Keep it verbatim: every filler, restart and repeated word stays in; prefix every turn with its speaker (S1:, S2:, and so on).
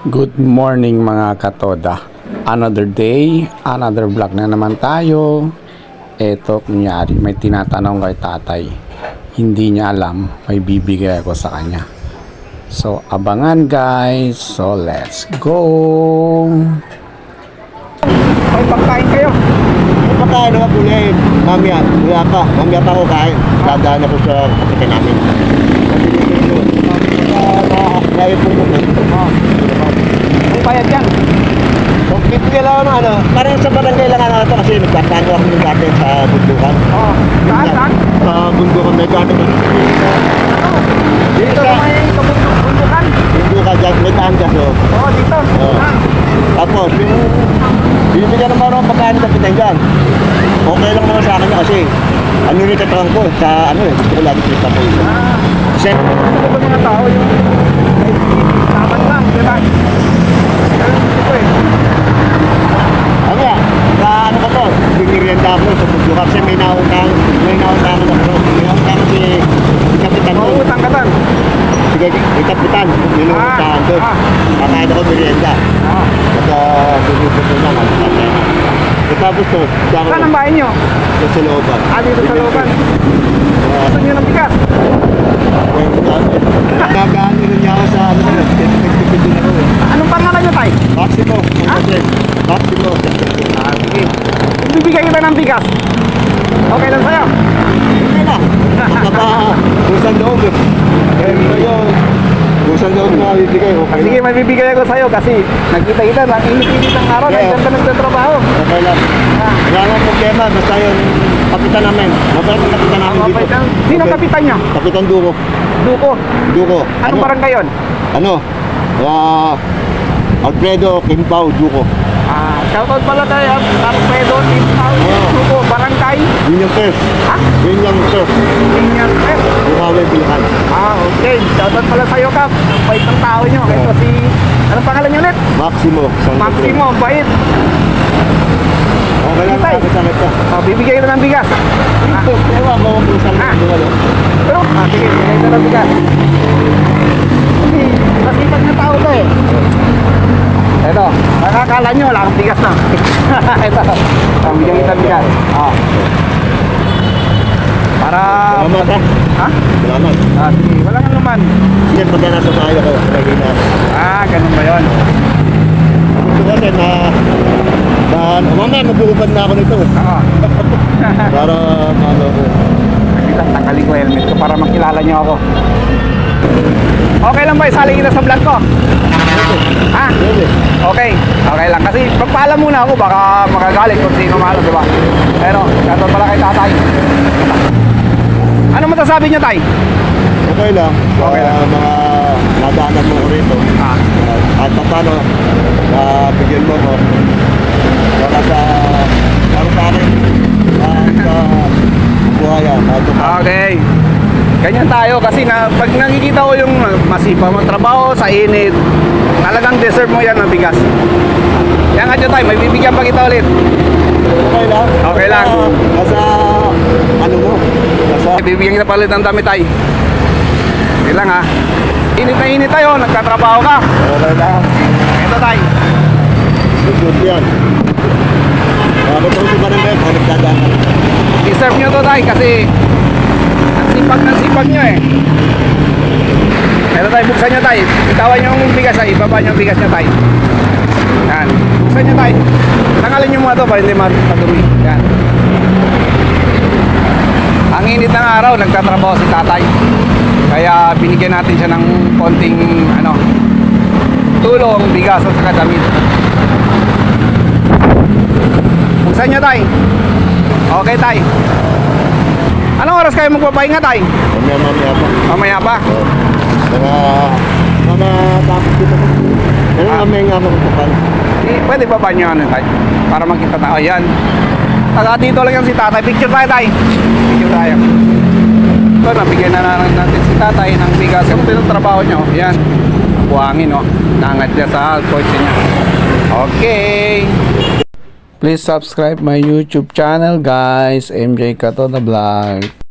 S1: Good morning mga katoda. Another day, another vlog na naman tayo. Eto, kunyari, may tinatanong kay tatay. Hindi niya alam, may bibigay ako sa kanya. So, abangan guys. So, let's go!
S2: May pagkain kayo?
S3: May pagkain naman po niya eh. Mamaya, wala pa. Mamaya pa ako kain. Dadaan ako sa kapitan namin. Kaya po po.
S2: May bayad yan.
S3: So, fifty lang ano, ano. Parang sa barangay lang ano ito kasi nagtatano ako ng dati sa bundukan.
S2: Oo. Saan, saan?
S3: Sa bundukan may dati.
S2: Dito sa may kabundukan.
S3: Bundukan dyan, may daan dyan. So.
S2: Oo, dito.
S3: Oo.
S2: Ah.
S3: Tapos, yung binibigyan naman ako ng pagkain ng kapitan dyan. Okay lang naman sa akin na kasi ano rin tatawang ko sa ano eh. Gusto ko lagi kita po yun.
S2: Ah.
S3: Kasi,
S2: Ito ba mga tao yung laban lang, di ba? Pero ito eh.
S3: ano ya, sa ano ko to, binirienda ako sa bundukan kasi may naunang, may naunang ako. May naunang si, si kapitan ko.
S2: Mauutang ka tan.
S3: Sige, si kapitan, yun ang
S2: Ah,
S3: utahan doon.
S2: ah.
S3: Kakain ako merienda.
S2: Ah.
S3: At uh, bumibigyan lang ako sa kanya. At tapos to, siya ako
S2: Saan ang bahay nyo?
S3: sa Salooban.
S2: Ah, dito sa looban.
S3: Uh,
S2: Gusto nyo ng bigas?
S3: Nagaan nyo niya ako sa ano, nagtipid din ako eh.
S2: Anong pangalan nyo, tay?
S3: Maximo,
S2: Ha?
S3: Maximo.
S2: Ah, sige. Kung bibigyan kita ng bigas, okay lang sa'yo?
S3: Hindi na. Naka, kusang loob eh. Eh, ito yun. Kusang loob na bibigay. Okay
S2: Sige,
S3: lang.
S2: may bibigay ako sa'yo kasi nakita-kita na init-init ang araw,
S3: Yeah.
S2: nandiyan ka nagtatrabaho.
S3: Okay lang.
S2: Ah.
S3: Wala nang problema. Basta yung kapitan namin. Mabait ang kapitan namin
S2: Ang
S3: dito.
S2: mabait ang- Sino
S3: Okay.
S2: kapitan nyo?
S3: Kapitan Duko.
S2: Duko.
S3: Duko.
S2: Anong
S3: Ano?
S2: barangay yun?
S3: Ano? Ah, Alfredo Kimpao Duko.
S2: Ah, shoutout pala kay Alfredo Timpao,
S3: Oo.
S2: Duko, barangay.
S3: Yun yung first.
S2: Ha?
S3: Yun yung first.
S2: Senior Prep.
S3: Bukawi Pilihan.
S2: Ah, okay. Shoutout pala sa'yo, Kap. Ang bait ng tao nyo. Ito
S3: Oo.
S2: si... Anong pangalan nyo ulit?
S3: Maximo. San
S2: Maximo, ang bait.
S3: Okay lang.
S2: Tay.
S3: Sakit-sakit ka.
S2: Ah, bibigay kita ng bigas. Ah,
S3: Ewan ko kung saan
S2: Ah.
S3: mo ano.
S2: pero, ah, sige, bibigay kita ng bigas. Kasi, nasipag na tao to eh. Ito, nakakala nyo, wala kang bigas na. Ito, ang bigyan kita ng bigas. Ah. Para...
S3: Salamat ha.
S2: Ha?
S3: Salamat.
S2: Ah, sige, wala kang naman.
S3: Yan, pagka nasa bahay ako, lagi na.
S2: Ah, ganun ba yun?
S3: Gusto ko kasi na... na mamaya magbuhubad na ako nito.
S2: Oo.
S3: Para maano ko.
S2: Nakita, tanggalin ko helmet ko para makilala nyo ako. Okay lang ba isali kita sa vlog ko? Ha?
S3: Pwede.
S2: Okay. Okay lang. Kasi magpaalam muna ako, baka makagalit kung sino malo, di ba? Pero, shoutout pala kay tatay. Ano masasabi niyo, tay?
S3: Okay lang. Sa
S2: Okay lang.
S3: mga nadaanan mo ko rito.
S2: Ah.
S3: At paano, na bigyan mo ko. Para sa... para sa akin. Para sa buhaya. At
S2: Okay. Ganyan tayo kasi na, pag nakikita ko yung masipag mong trabaho sa init, talagang deserve mo yan ng bigas. Yan nga dyan tayo, may bibigyan pa kita ulit.
S3: okay lang.
S2: Okay lang.
S3: Nasa, nasa ano mo. Nasa...
S2: Bibigyan kita pa ulit ng dami tayo. Hindi lang ha. Init na init tayo, nagtatrabaho ka.
S3: Okay lang.
S2: Ito tayo.
S3: Good yan. Bakit ako si Barangay? Bakit nagdadaan ka?
S2: Deserve nyo to tayo kasi ang sipag ng sipag nyo eh. Ito tayo, buksan nyo tayo. Itawan nyo yung bigas ay, ibaba nyo yung bigas nyo tayo. Yan. Buksan nyo tayo. Tangalin nyo muna to para hindi matadumi. Yan. Ang init ng araw, nagtatrabaho si tatay. Kaya binigyan natin siya ng konting ano, tulong, bigas at saka damit. Buksan nyo tayo. Okay tayo. Anong oras kayo magpapahinga tayo?
S3: Mamaya mamaya pa.
S2: Mamaya pa.
S3: Oo. Mga... mga tapos dito ko. Pero
S2: Ah.
S3: mamaya nga magpapan.
S2: Eh, pwede ba ba nyo ano tayo? Para makita tayo. Ayan. Taga dito lang yan si tatay. Picture tayo tayo. Picture tayo. Ito, nabigyan na lang natin si tatay ng bigas. Ano ba yung trabaho nyo? Ayan. Buhangin, no? Nangat niya sa kotse niya. Okay.
S1: Please subscribe my YouTube channel guys. M J Katoda Vlog.